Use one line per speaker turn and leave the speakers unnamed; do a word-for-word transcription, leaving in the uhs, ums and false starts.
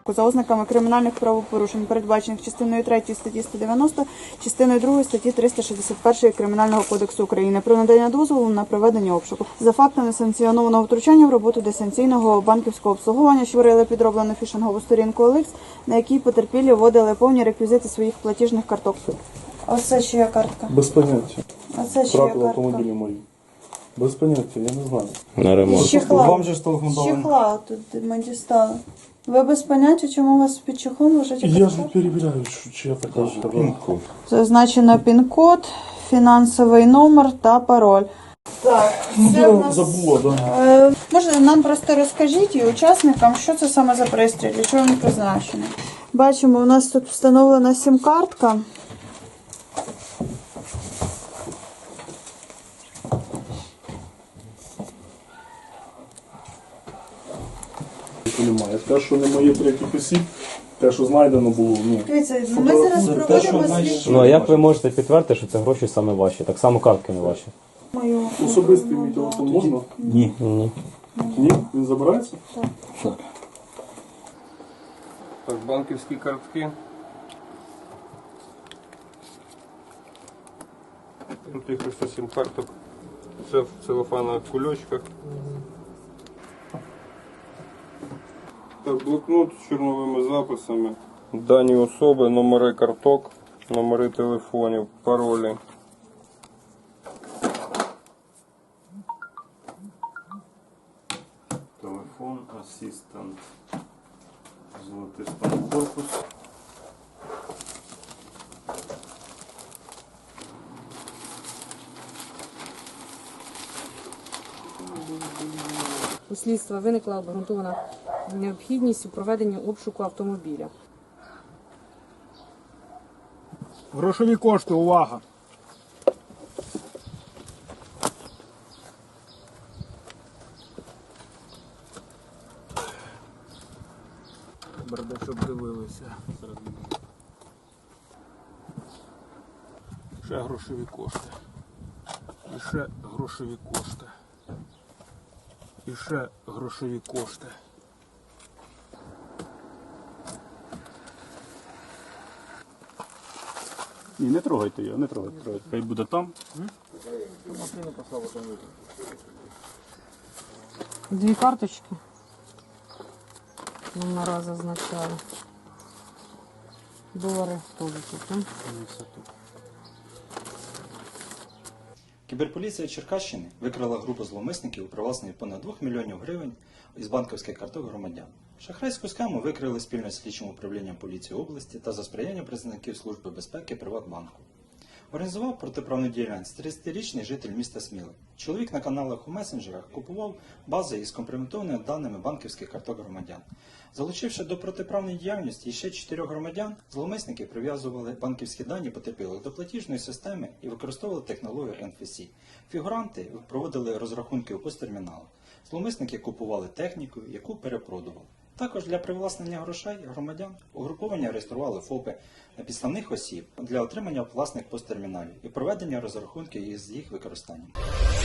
за ознаками кримінальних правопорушень, передбачених частиною третьою статті сто дев'яносто, частиною другою статті триста шістдесят один Кримінального кодексу України про надання дозволу на проведення обшуку за фактами санкціонованого втручання в роботу дистанційного банківського обслуговування, що створили підроблену фішингову сторінку О Ел Ікс, на якій потерпілі вводили повні реквізити своїх платіжних карток. Ось це чия картка?
Без поняття.
А це чия
Втратили
картка?
автомобілі мої. Без поняття, я не знаю.
На ремонт.
З чехла.
Вам же ж телефонували.
З чехла тут ми дістали. Ви без поняття, чому у вас під чехлом лежить
Я
картка?
ж перевіряю, що чи я така ж.
Пінку.
Зазначено пін-код, фінансовий номер та пароль. Так, це
Я
в нас...
забула, да.
Е, може, нам просто розкажіть і учасникам, що це саме за пристрій, для чого він призначений. Бачимо, у нас тут встановлена сім-картка.
Немає. Те, що не моє третіх осіб, те, що знайдено було, ну.
Дивіться, ми зараз
Це те,
проводимо
що
слідчі.
Ну а як ви можете підтвердити, що це гроші саме ваші? Так само картки не ваші.
Мою
Особистий мій телефон можна?
Ні.
Ні.
Ні? Він забирається?
Так.
Так, банківські картки. Тут їх ось сім карток. Це в целофанових кульочках. Так, блокнот з чорновими записами. Дані особи, номери карток, номери телефонів, паролі.
Телефон, асистент, золотистий корпус.
У слідства виникла обґрунтована необхідність у проведенні обшуку автомобіля.
Грошові кошти, увага! Берде, щоб дивилися. Ще грошові кошти. І ще грошові кошти. І ще грошові кошти.
Ні, не трогайте його, не трогайте. трогайте. Хай буде там.
Дві карточки. Номера зазначали. Долари теж тут.
Кіберполіція Черкащини викрила групу зловмисників у привласненні понад двох мільйонів гривень із банківських карток громадян. Шахрайську схему викрили спільно з слідчим управлінням поліції області та за сприяння представників Служби безпеки Приватбанку. Організував протиправну діяльність тридцятирічний житель міста Сміли. Чоловік на каналах у месенджерах купував бази із компрометованими даними банківських карток громадян. Залучивши до протиправної діяльності ще чотирьох громадян, зловмисники прив'язували банківські дані потерпілих до платіжної системи і використовували технологію ен еф сі. Фігуранти проводили розрахунки у посттерміналах. Зловмисники купували техніку, яку перепродували. Також для привласнення грошей громадян угруповання реєстрували ФОПи на підставних осіб для отримання власних посттерміналів і проведення розрахунків із їх використанням.